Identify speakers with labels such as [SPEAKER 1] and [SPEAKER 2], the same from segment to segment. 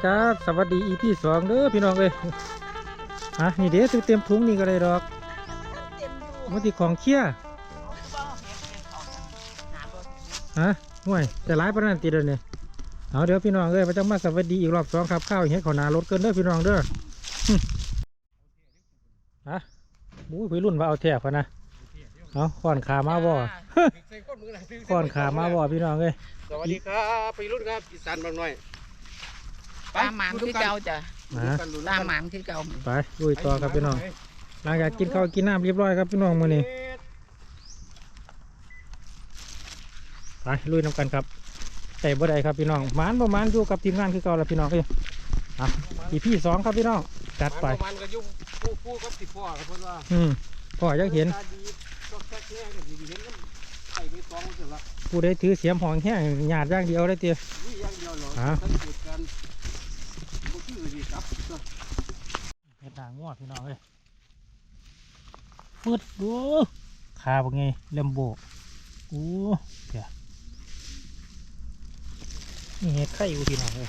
[SPEAKER 1] ครับสวัสดีEP 2เด้อพี่น้องเอ้ยนี่เดี๋ยวเต็มถุงนี่ก็ได้ดอกมันติของเคี้ยห่วยแต่หลายประนันติเด้อเนี่ยเอาเดี๋ยวพี่น้องเอ้ยมาจังมาสวัสดีอีกรอบ2ครับข้าวเฮ็ดข้าวหนารถเกินเด้อพี่น้องเด้อบู้พี่รุ่นว่าเอาแถบพะนะเอาขอนขามาบ่ขอนขามาบ่พี่น้องเอ้ย
[SPEAKER 2] สวัสดีครับพี่รุ่นครับอีสานบางหน่อย
[SPEAKER 3] ตามหมามที่เก่าจ้ะตามหมามที่เก่า
[SPEAKER 1] ไปลุยต่อครับพี่น้องหลังจากกินข้าวกินน้ำเรียบร้อยครับพี่น้องมื้อนี้ไปลุยน้ำกันครับแต่บ่ได้ครับพี่น้องหมานประมาณอยู่กับทีมงานคือเก่าแล้วพี่น้องเอ้ยEP 2ครับพี่น้องจัดไป
[SPEAKER 2] มันก็ยุ่งผู้กับติดพ่อครับเพื่อนว่า
[SPEAKER 1] พ่ออยากเห็นผู้ใดถือเสียมหองแห้งหยาดย่างเดียวได้เตี้ยเห็ดด่างงวดพี่น้องเลยมืดดูขาเป็นไงเลมโบโอ้เดี๋ยวนี่เห็ดไข่อยู่พี่น้องเลย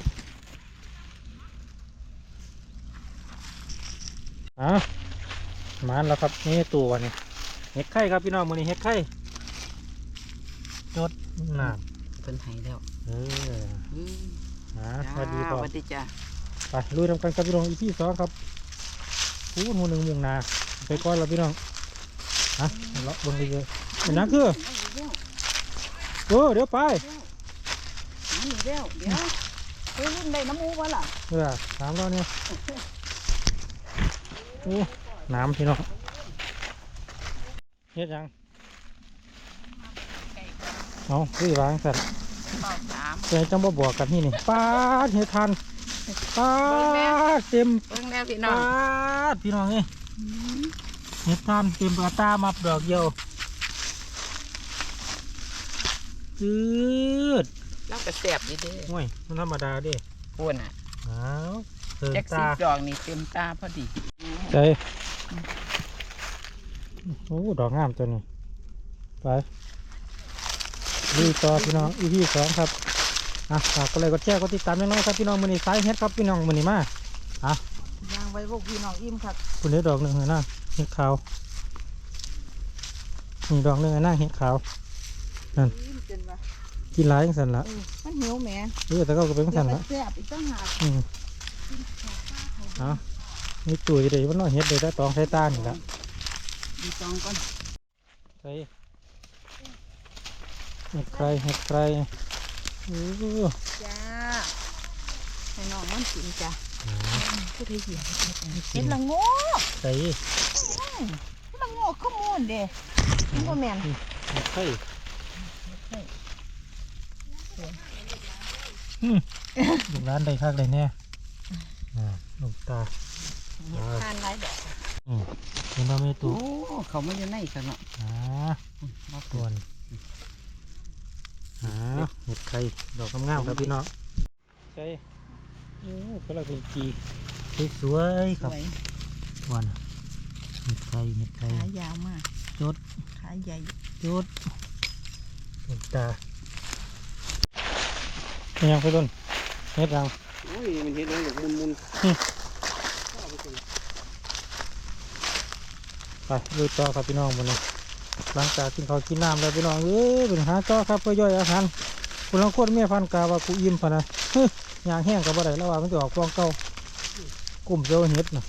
[SPEAKER 1] มาแล้วครับนี่ตัวนี่เห็ดไข่ครับพี่น้องมือนี้เห็ดไข่จดน้
[SPEAKER 3] ำเป็นไห้แล้ว
[SPEAKER 1] สวัสดีพ่อ
[SPEAKER 3] สวัสดีจ้า
[SPEAKER 1] ไปลุยทำกันครับพี่น้องEP 2ครับหูหนึ่งมุงนาไปก้อนแล้วพี่น้องเลาะบนเลยเห็นนะคือเดี๋ยวไป
[SPEAKER 3] เดี๋ยวรุ่นใดน้ำมูวะล่ะ
[SPEAKER 1] ถามเราเนี่ยน้ำพี่น้องเฮ็ดยังเอาคุยวางสัตว์เจ๊จังบ่บวกกันที่นี่ป้าเฮ็ดทันป้าเต็ม
[SPEAKER 3] พี่น้อง
[SPEAKER 1] พี่น้องนี่เฮ็ดทันเต็มกระตามาดอกเดียวจืด
[SPEAKER 3] แล้วก็แสบดีเด้
[SPEAKER 1] ห่วยมันธรรมดาเด้
[SPEAKER 3] กวน
[SPEAKER 1] เติม
[SPEAKER 3] ตาดอกนี่เต็มตาพอดี
[SPEAKER 1] ใจดอกงามตัวนี้ไปลุยต่อพี่น้องEP 2ครับฝากก็เลยกดแชร์กดติดตามน้อยๆครับพี่น้องมือนี้สายเฮ็ดครับพี่น้องมือนี้มา
[SPEAKER 3] ย่างไว้พวกพี่น้องอิ่มครับ
[SPEAKER 1] คุณได้ดอกหนึ่งนะเห็ดขาวนี่ดอกหนึ่งนะเห็ดขาวนั่นกินหลายอย่างสั่นละ
[SPEAKER 3] มันหิวแม่
[SPEAKER 1] แต่ก็เป็นสั่นละ
[SPEAKER 3] แซ่บอีกตั้งหาก
[SPEAKER 1] นี่ตุ๋ยเดี๋ยวมันน้อยเห็ดเดี๋ยวได้ตองใช้ตาหนิละ
[SPEAKER 3] ดีตองก่อน
[SPEAKER 1] ใส่เห็ดใคร
[SPEAKER 3] จ้าให้น้องมันกินจ้าก็ได้เหยียบเห็ดละโง่
[SPEAKER 1] ใส่
[SPEAKER 3] ละโง่ขโมยเด้นี่ก็แมน
[SPEAKER 1] เห็ดใครลูกร้านได้คักเลยเนี่ยลูกตา
[SPEAKER 3] ทานไรดอก
[SPEAKER 1] เห็นเราไม่ตู้
[SPEAKER 3] เขาไม่ได้ไหนกันเนาะ
[SPEAKER 1] มาก่อนเห็ดไข่ดอกงามๆครับพี่น้องใช่ก็เราเป็นกีสวยครับวันเห็ดไข่
[SPEAKER 3] ขายาวมาก
[SPEAKER 1] จด
[SPEAKER 3] ขาใหญ่
[SPEAKER 1] จดลูกตายังไปต้นเห็ดยัง
[SPEAKER 2] มันเห็ดเลยแบบมุน
[SPEAKER 1] ไปลุยต่อครับพี่น้องวันนี้หลังจากกินข้าวกินน้ำแล้วพี่น้องเป็นหาต่อครับเพื่อย่อยอาหารคุณลองโคตรเมียพันกาว่ากูอิ่มพะนะยางแห้งกับอะไรแล้วว่ามันจะออกกล้องเก่ากลุ่มเจ้าเห็ดนะ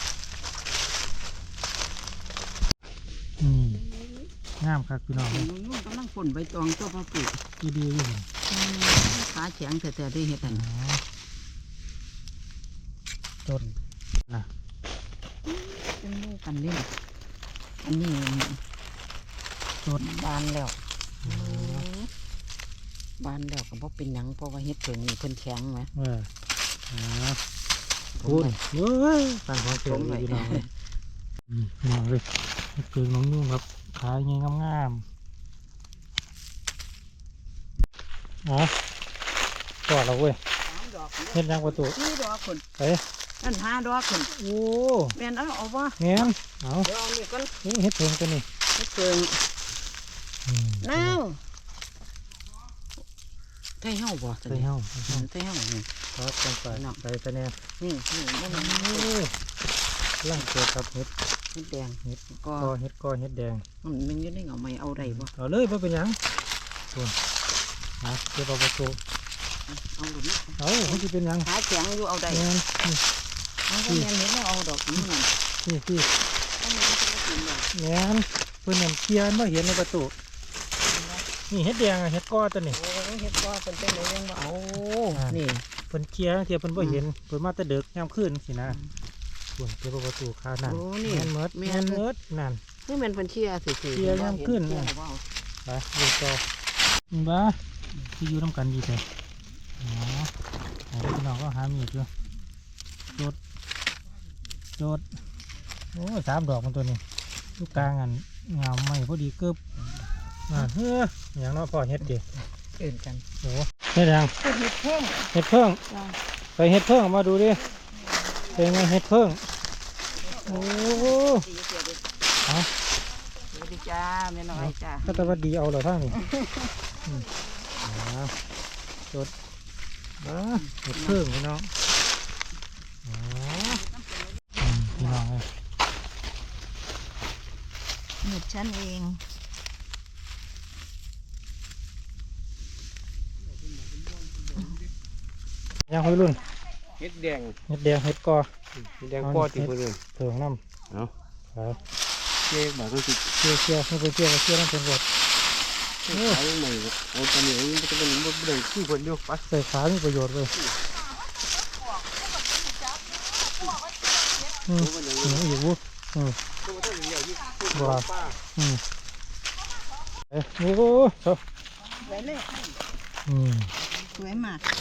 [SPEAKER 1] งามครับพี่น้อง
[SPEAKER 3] กำลังฝนใบตองตัวพระปุ๋
[SPEAKER 1] ยดีอยู่
[SPEAKER 3] ขาแข็งแต่ได้เห็ดอัน
[SPEAKER 1] จนนะ
[SPEAKER 3] เป็นลูกกันเล่นอันนี้
[SPEAKER 1] จด
[SPEAKER 3] บานแล้วก็เพราะเป็นหนังเพราะว่าเห็ดเพิ่งนี่เพิ่นแข็งไหม
[SPEAKER 1] พูดตั้งของเสียงอยู่น้องเลยน้องเลยเพิ่งน้องนุ่งครับขายเงี้ยงามต่อเราเว้ยเห็ดยังประตู
[SPEAKER 3] ดอกคน
[SPEAKER 1] นั่น
[SPEAKER 3] 5 ดอกคนแม่นเอาว่า
[SPEAKER 1] แม่นเอา
[SPEAKER 3] เดี๋ยวนี่ก่อน
[SPEAKER 1] เห็ดเพิ่งตัวนี้
[SPEAKER 3] เห็ดเพิ่งนั่งไทยเฮาบ่
[SPEAKER 1] ใส่เฮา
[SPEAKER 3] ไทยเฮานี่
[SPEAKER 1] ครับจังไปใส่ตะแนน
[SPEAKER 3] นี่มัน
[SPEAKER 1] ล่างเกิดครับเห็ด
[SPEAKER 3] แดงก็
[SPEAKER 1] เห็ดแดง
[SPEAKER 3] มันอยู่ในเหงาไม้เอาได้บ่
[SPEAKER 1] เอาเลยบ่เป็นหยังส่วนนะเก็บเอาประตู
[SPEAKER 3] เอาหลุดนะ
[SPEAKER 1] เอามันสิเป็นหยัง
[SPEAKER 3] หาแข็งอยู่เอาได้
[SPEAKER 1] แม่น
[SPEAKER 3] เอาก็แม่นเห็นแล้วเอาดอกนี้นั่น
[SPEAKER 1] นี่
[SPEAKER 3] อันนี้มันจะกินเลย
[SPEAKER 1] แม่นเพิ่นนั่นเคลียร์มาเห็นในประตูนี่เห็ดแดงอะเห็ดก้อตัวนี้
[SPEAKER 3] โอ้เฮ็ดว่าเป็นจังได๋ยังบ่เอานี่
[SPEAKER 1] เพิ่นเคลียร์เทียเพิ่นบ่เห็นเพิ่นมาแต่ดึกยามคืนสินะส่วนเก็บเอาประตูคานั่น
[SPEAKER 3] โอ้นี่
[SPEAKER 1] แม่นเมิดแม่นเมิดนั่น
[SPEAKER 3] คือแม่นเพิ่นเชียร์สิ
[SPEAKER 1] เชียร์ยามขึ้น ไปดูต่อนี่บ้าที่อยู่น้ำกันดีแต่อ๋อไหนพี่น้องก็หามีดอยู่โจดโอ้3 ดอกมันตัวนี้ลูกกลางอันงามไม่พอดีเกือบเฮ้ออย่างน้อยพอเฮ็ดดิ
[SPEAKER 3] เอื่นกัน
[SPEAKER 1] โอ้เฮ็ดยัง
[SPEAKER 3] เฮ็ดเพิ่ง
[SPEAKER 1] เฮ็ดเพิ่งไปเฮ็ดเพิ่งมาดูดิเป็นไงเฮ็ดเพิ่งโอ้
[SPEAKER 3] สวัสดีจ้าแม่น้อยจ้า
[SPEAKER 1] ก็ตะวันดีเอาเหรอท่านนี่จดเฮ็ดเพิ่งพี่น้องพี่น้องเลย
[SPEAKER 3] หนุดฉันเอง
[SPEAKER 1] ยังคุยรุ่น
[SPEAKER 2] เฮ็ดแดง
[SPEAKER 1] เฮ็ดแดงเฮ็ดกอ
[SPEAKER 2] เฮ็ดแดงก้อติเพิ่น
[SPEAKER 1] เถิงน้
[SPEAKER 2] เอา
[SPEAKER 1] ำครับ
[SPEAKER 2] เจ๊บอกว่าสิ
[SPEAKER 1] เชี่ยวไม่เป็นเชี่ยวน้ำเป็นรถ
[SPEAKER 2] เอาใหม่เอาตอนนี้มันจะเป็นบ่ได้คือเพิ่นอยู่ไป
[SPEAKER 1] ใส่ขามีประโยชน์เลยอีกวุ้บ่นี่กูโซ่
[SPEAKER 3] สวยเลยสวยมาก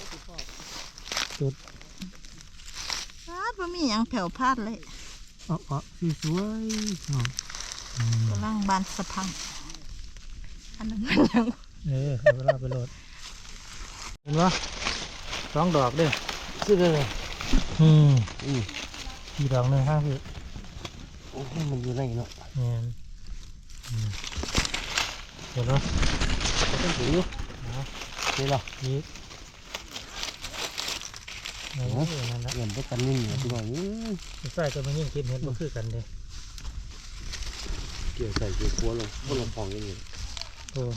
[SPEAKER 3] พาดบ่มีหยังแผ่วพาดเลย
[SPEAKER 1] สวย
[SPEAKER 3] กำลังบานสะพังอันนั้นมันยัง
[SPEAKER 1] เวลาไปโหลดเห็นปะ2 ดอกเด้
[SPEAKER 2] ซื้อเลย
[SPEAKER 1] 4 ดอกหนึ่งข้างพี่
[SPEAKER 2] โอ้มันอยู่ไหนเนาะ
[SPEAKER 1] เนี่ยเห็นปะ
[SPEAKER 2] ต้องถืออยู่นี่เหรอ
[SPEAKER 1] นี่นั่นแหละ
[SPEAKER 2] เงินบ่กันนี่พี่น้อง
[SPEAKER 1] ใส่ก็มันยิ่งกินเห็นมันคือกันเลย
[SPEAKER 2] เกี่ยวใส่เกี่ยวครัวลงบ่ลงฟองอย่างนี้
[SPEAKER 1] โอ้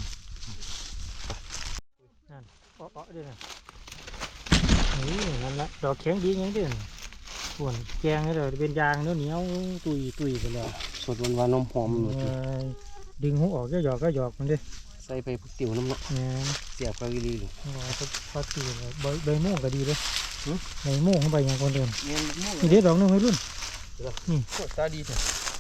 [SPEAKER 1] นั่นด้วยนะนี่นั่นละดอกแข็งดีอย่างเด่นส่วนแกงนี่เลยเป็นยางเหนียวตุยไปแล้ว
[SPEAKER 2] สดหวานๆนมหอม
[SPEAKER 1] ดึงหูออกก็หยอกมันดิ
[SPEAKER 2] ใส่ไปพวกติ๋วน้ำเนาะ
[SPEAKER 1] เนี่ย
[SPEAKER 2] เสียบไปดีเลย
[SPEAKER 1] พอตีใบม่วงก็ดีเลยใบม่วงเข้าไปอย่างคนเดิม
[SPEAKER 2] เงี้ยม่วง
[SPEAKER 1] นี่เด็ดดอกนึงให้รุ่น
[SPEAKER 2] นี่ตาดีเถอะ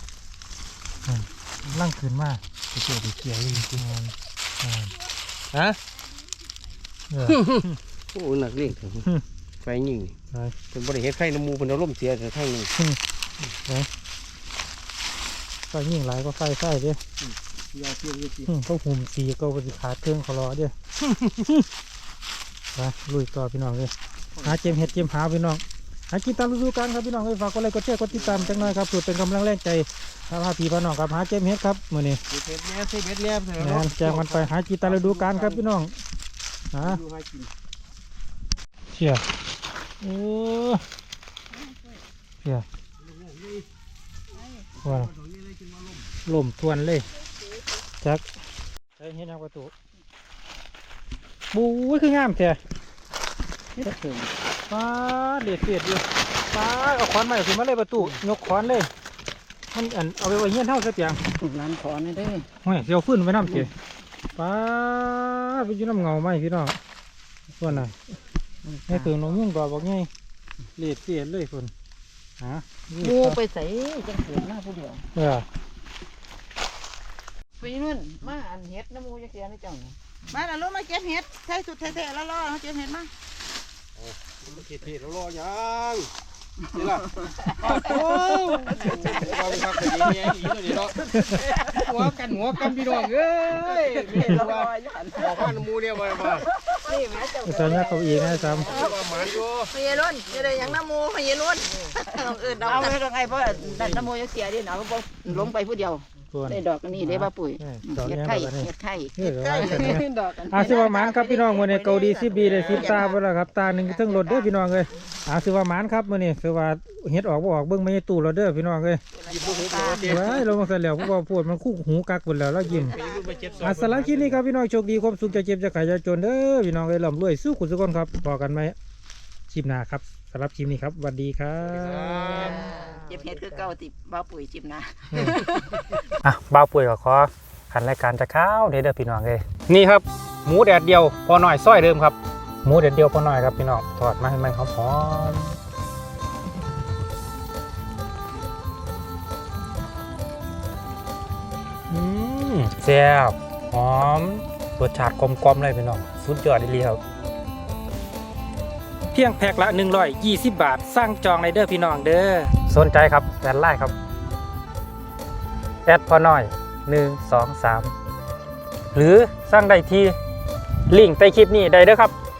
[SPEAKER 1] ล่างขึ้นมาไปเกี่ยวอยู่จริงๆ
[SPEAKER 2] ฮะ
[SPEAKER 1] เออ
[SPEAKER 2] โอ้หนักเลี้ยงถึงไฟยิงเป็นบริเหตุไข่น้ำมูเป็นอารมณ์เสียแต่ทั้งนึง
[SPEAKER 1] ไฟยิ่งหลายก็ไฟใส่เด้
[SPEAKER 2] ยาเทียมยี่
[SPEAKER 1] เขาหุ่มสีก็บริขาดเครื่องเขาล้อเด้ไปลุยต่อพี่น้องเลยหาเจมเห็ดเจมหาพี่น้องหากินตามฤดูกาลครับพี่น้องฝากกดไลค์กดแชร์กดติดตามจังหน่อยครับเพื่อเป็นกำลังแรงใจพาพี่พี่น้องครับหาเจมเห็ดครับมื้อนี้
[SPEAKER 2] เบ็ดแนบใส่เบ็ดแนบ
[SPEAKER 1] งานแจ้งมันไปหากินตามฤดูกาลครับพี่น้องเชี่ยโอ้เชี่ยว้าวลมทวนเลยจักใช้เห็ดทางประตูบู๊คืองามแท้ป้าเด็ดอยู่ป้าเอาขวานมาขึ้นมาเลยประตูยกขวานเลยมันเอาไปไว้เฮี้ยนเท่าสักอย่าง
[SPEAKER 3] ร้านขอนี่ได้
[SPEAKER 1] โอ้ยเสียวฟื้นไปน้ำเจี๋ป้าไปอยู่น้ำเงาไหมพี่น้องส่วนน่ะนี่ถึงน้องยุ่งดอกบอกไงเด็ดเลยคนฮะ
[SPEAKER 3] งูไปใส่จังเสียหน้าผู้เดียวไปนู่นมาอันเฮ็ดน้ำมูจังเสียนี่จังมาแล้วลูกมาเก็บเฮ็ดใช้สุดแท้ๆแล้วรอเขาเก็บเฮ็ดมา
[SPEAKER 2] เผ็ดแล้วรอยังนี่ล่ะโอ้เราไปพักกันเองนี่เนาะหัวกันพี่น้องเอ้ย
[SPEAKER 3] รอ
[SPEAKER 2] บอกว่าน้ำมูเนี่ยมา
[SPEAKER 3] นี่แม่เจ้า
[SPEAKER 1] ตอนนี้เขาอีกนะซ้
[SPEAKER 2] ว่าหมานอยู่
[SPEAKER 3] พยารุ่นจะได้ยังน้ำมูพยารุ่นต้องอื่นเอาไม่ต้องไงเพราะดันน้ำมูจะเสียดิเนาะเพราะลงไปผู้เดียว
[SPEAKER 1] ำตัว
[SPEAKER 3] ได้ดอกนี่ได้บ้าปุ๋ย
[SPEAKER 1] ดอก
[SPEAKER 3] เห็ด
[SPEAKER 1] นี้
[SPEAKER 3] ไข่
[SPEAKER 1] แบบนี้
[SPEAKER 3] เห็ดไข่
[SPEAKER 1] ดอกซื้อว่าหมานครับพี่น้องมื้อนี้เกาดี10ปีได้10ตาบ่ล่ะครับตาหนึงถึงรถเด้อพี่น้องเอ้ยซื้อว่าหมานครับมื้อนี้ซื้อว่าเฮ็ดออกบ่ออกเบิ่งไม่ใช่ตู้เราเด้อพี่น้องเอ้ย
[SPEAKER 2] ยิบบุ้งหัวเตี้ย
[SPEAKER 1] ว้ายลงมาใส่แล้วผู้บ่าวพูดมันคู่หูกักหมดแล้วแล้วยิ้ม
[SPEAKER 2] ไปยืมมาเจ็บสอง
[SPEAKER 1] สำหรับคลิปนี้ครับพี่น้องโชคดีความสุขจะเจ็บจะขายจะจนเด้อพี่น้องเอ้ยร่ำรวยสู้คุณทุกคนครับพอกันไหมคลิปหน้าครับสำหรับคลิปนี้ครับสวัสดีครับ
[SPEAKER 3] เจ็บเห็ดคือเก่าติบ้าปุ๋ยจิบนะ
[SPEAKER 1] บ่าวปุ๋ยก็ขอขันรายการจะข้าวเด้อพี่น้องเอ้ยนี่ครับหมูแดดเดียวพอหน่อยซ้อยเดิมครับหมูแดดเดียวพอหน่อยครับพี่น้องทอดมาให้มันหอมแซ่บหอมรสชาติกลมๆเลยพี่น้องสุดยอดดีครับเพียงแพ็คละ120 บาทสร้างจองในเด้อพี่น้องเด้อสนใจครับแอดไลน์ครับแอดพอน้อย1 2 3หรือสร้างได้ที่ลิงก์ใต้คลิปนี้ได้เด้อครับ